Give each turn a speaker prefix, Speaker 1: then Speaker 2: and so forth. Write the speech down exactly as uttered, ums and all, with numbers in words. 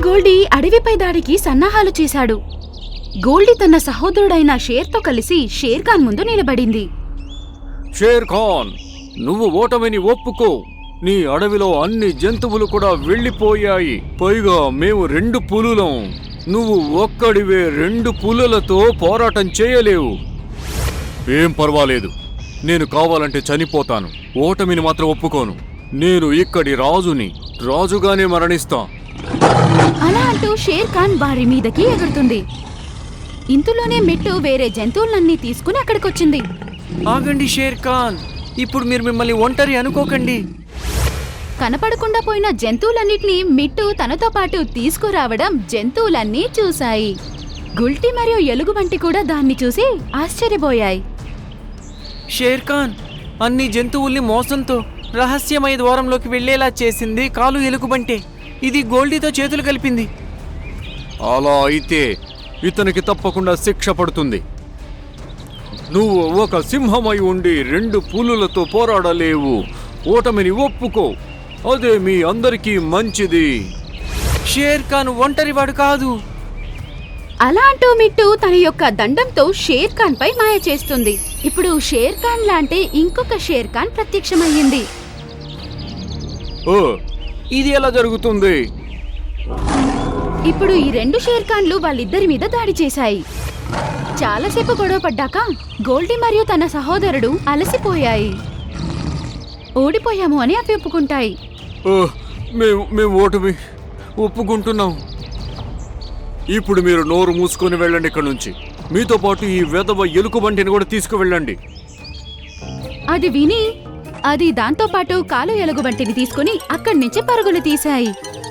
Speaker 1: గోల్డీ అడవిపై దాడికి సన్నాహాలు చేశాడు. గోల్డీ తన సహోదరుడైన షేర్తో కలిసి షేర్ ఖాన్ ముందు నిలబడింది.
Speaker 2: షేర్ ఖాన్, నువ్వు ఓటమిని ఒప్పుకో. నీ అడవిలో అన్ని జంతువులు కూడా వెళ్ళిపోయాయి. పైగా మేము రెండు పులులం. నువ్వు ఒక్కడివే రెండు పులులతో పోరాటం చేయలేవు. ఏం పర్వాలేదు, నేను కావాలంటే చనిపోతాను. ఓటమిని మాత్రం ఒప్పుకోను. నేను ఇక్కడి రాజుని, రాజుగానే మరణిస్తా.
Speaker 1: అలా అంటూ షేర్ ఖాన్ వారి మీదకి ఎగురుతుంది. ఇంతలోనే మిట్టు వేరే జంతువులన్నీ తీసుకుని అక్కడికొచ్చింది.
Speaker 3: ఆగండి షేర్ ఖాన్, ఇప్పుడు మీరు మిమ్మల్ని ఒంటరి అనుకోకండి.
Speaker 1: కనపడకుండా పోయిన జంతువులన్నిటినీ మిట్టు తనతో పాటు తీసుకురావడం జంతువులన్నీ చూశాయి. గుల్టి మరియు ఎలుగుబంటి కూడా దాన్ని చూసి ఆశ్చర్యపోయాయి.
Speaker 3: షేర్ ఖాన్, అన్ని జంతువుల్ని మోసంతో రహస్యమయ ద్వారంలోకి వెళ్లేలా చేసింది కాలు ఎలుగుబంటే. ఇది గోల్డీతో చేతులు కలిపింది.
Speaker 2: అలా అయితే ఇతనికి తప్పకుండా శిక్ష పడుతుంది. నువ్వు ఒక సింహమై ఉండి రెండు పులులతో పోరాడలేవు. ఓటమిని ఒప్పుకో, అదే మీ అందరికీ మంచిది.
Speaker 3: షేర్ ఖాన్ ఒంటరివాడు కాదు.
Speaker 1: అలా అంటూ మిట్టు తన యొక్క దండంతో షేర్ ఖాన్ పై మాయ చేస్తుంది. ఇప్పుడు షేర్ ఖాన్ లాంటి ఇంకొక షేర్ ఖాన్ ప్రత్యక్షమయ్యింది.
Speaker 2: ఓ, ఇది ఎలా జరుగుతుంది?
Speaker 1: ఇప్పుడు ఈ రెండు షేర్ ఖాన్లు వాళ్ళిద్దరి మీద దాడి చేశాయి. చాలాసేపు గొడవ పడ్డాక గోల్డీ మరియు తన సహోదరుడు అలసిపోయాయి. ఓడిపోయాము అని అవి ఒప్పుకుంటాయి.
Speaker 2: ఓ, మేము మేము ఓటమి ఒప్పుకుంటున్నాం. ఇప్పుడు మీరు నోరు మూసుకొని వెళ్ళండి ఇక్కడి నుంచి. మీతో పాటు ఈ వెధవ ఎలుకబంటిని కూడా తీసుకువెళ్ళండి.
Speaker 1: అది విని అది దాంతో పాటు కాలు ఎలుగుబంటిని తీసుకుని అక్కడి నుంచి పరుగులు తీశాయి.